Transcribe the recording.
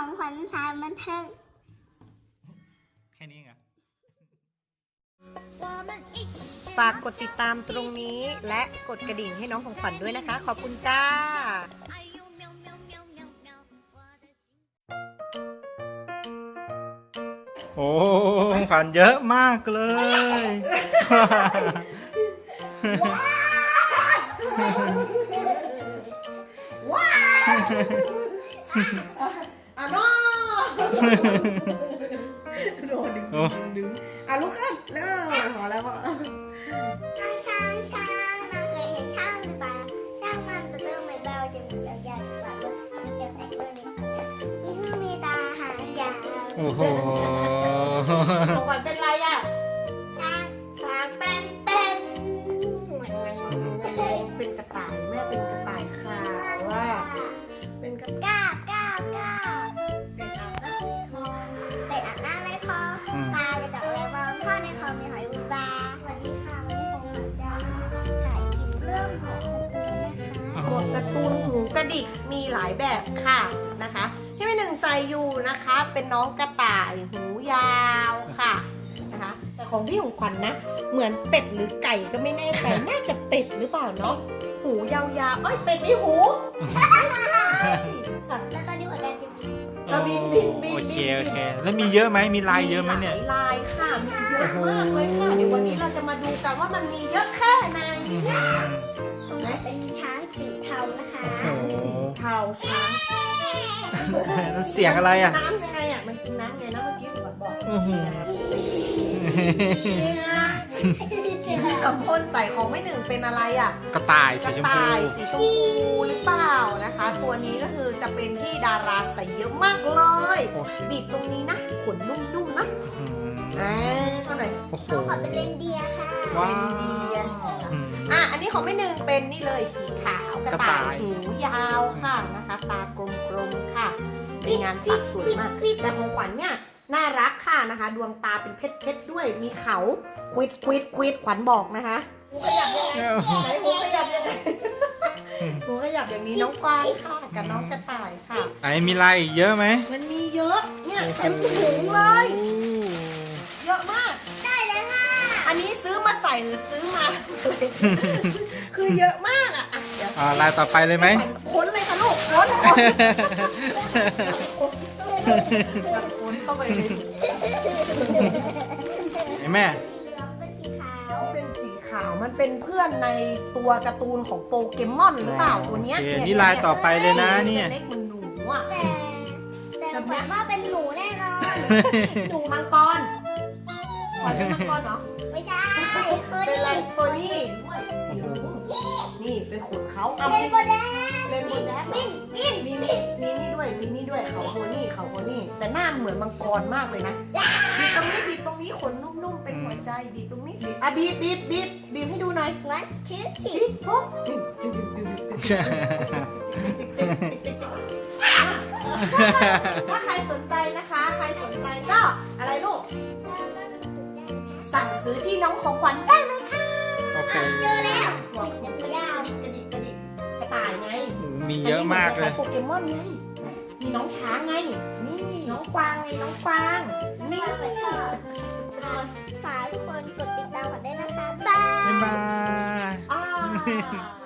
ของขวัญสายบันเทิงแค่นี้ไงฝากกดติดตามตรงนี้และกดกระดิ่งให้น้องของขวัญด้วยนะคะ ขอบคุณจ้าโอ้ของขวัญเยอะมากเลยว้าวอ่ะน้อโดนดึงลุกขึ้นเร็วพอแล้วพ่อช้างเราเคยเห็นช้างหรือเปล่าช้างมันตัวเริ่มไม่เบาจะมียาวๆกว่าด้วยมีเชือกแต่งด้วยนี่มีตาหางยาวโอ้โหของขวัญเป็นไรอ่ะช้างเป็นกระต่ายแม่เป็นกระต่ายขาวว่าเป็นกระต่ายก้าวเป็นอาบน้ำในคลองเป็ดอาบน้ำในคลองปลาไปตกแรงวอมพ่อในคลองมีหอยบูบาสวัสดีค่ะวันนี้ผมจะถ่ายคลิปเรื่องของการ์ตูนนะคะตัวการ์ตูนหูกระดิกมีหลายแบบค่ะนะคะที่แม่หนึ่งใส่อยู่นะคะเป็นน้องกระต่ายหูยาวค่ะนะคะแต่ของพี่ของขวัญนะเหมือนเป็ดหรือไก่ก็ไม่แน่ใจน่าจะเป็ดหรือเปล่าเนาะหูยาวๆเอ้ยเป็ดมีหูแล้วตอนนี้หัวใจจะบินบินโอเคแล้วมีเยอะไหมมีลายเยอะไหมเนี่ยลายค่ะมีเยอะมากเลยค่ะเดี๋ยววันนี้เราจะมาดูกันว่ามันมีเยอะแค่ไหนเป็นช้างสีเทานะคะโอ้โหเทาช้างมันเสียงอะไรอ่ะน้ำยังไงอ่ะมันกินน้ำไงนะเมื่อกี้ขวัญบอกอื้อหือพี่กำพลใส่ของไม่หนึ่งเป็นอะไรอ่ะกระต่ายกสีระชมพูต่ายสีชมพูหรือเปล่านะคะ ตัวนี้ก็คือจะเป็นที่ดาราใส่เยอะมากเลยโอ้โหบีบตรงนี้นะขนนุ่มๆนะอืมเท่าไหร่โอ้โหขอเป็นเรนเดียร์ค่ะว้าว อืมอันนี้ของไม่หนึ่งเป็นนี่เลยสีขาวกระกระต่าต่ายยหูยาวค่ะนะคะ ตากลมๆค่ะเป็นงานปักสวยมากแต่ของขวัญเนี่ยน่ารักค่ะนะคะ ดวงตาเป็นเพชรด้วยมีเขาควิดขวัญบอกนะคะหูขยับยังไงไหนหูขยับยังไงหูขยับอย่างนี้น้องกวางค่ะกับน้องกระต่ายค่ะไหนมีลายอีกเยอะไหมมันมีเยอะเนี่ยเต็มถุงเลย เยอะมากได้เลยค่ะอันนี้ซื้อมาใส่หรือซื้อมา คือเยอะมากอ่ะเดี๋ยวลายต่อไปเลยไหมค้นเลยค่ะลูกค้นเข้าไปเลยไอ้แม่เป็นสีขาวเป็นสีขาวมันเป็นเพื่อนในตัวการ์ตูนของโปเกมอนหรือเปล่าตัวเนี้ยโอเคนี่ลายต่อไปเลยนะเนี่ยเล็กเหมือนหนูอ่ะแต่แบบว่าเป็นหนูแน่นอนหนูมังกรขวัญเป็นมังกรเหรอไม่ใช่คือเป็นนี่อะไรโพนี่ด้วยสีรุ้งนี่เป็นขนเขาเอาเป็นโบแดงเล่นบนแดดบินมีนี่ด้วยเขาโพนี่แต่หน้าเหมือนมังกรมากเลยนะบีบตรงนี้ขนนุ่มๆเป็นหัวใจบีบตรงนี้บีบให้ดูหน่อยวันชื่อฉีชิปปุ๊บถ้าใครสนใจนะคะ ใครสนใจก็อะไรลูกสั่งซื้อที่น้องของขวัญได้เลยค่ะโอเคเจอแล้วบอกยาวกระดิกกระต่ายไงมีเยอะมากเลยโปเกมอนไงมีน้องช้างไงนี่น้องกวางไงน้องกวางไม่นี่ก็ชอบฝากทุกคนกดติดตามกันได้นะคะบายบ๊ายบายอ่า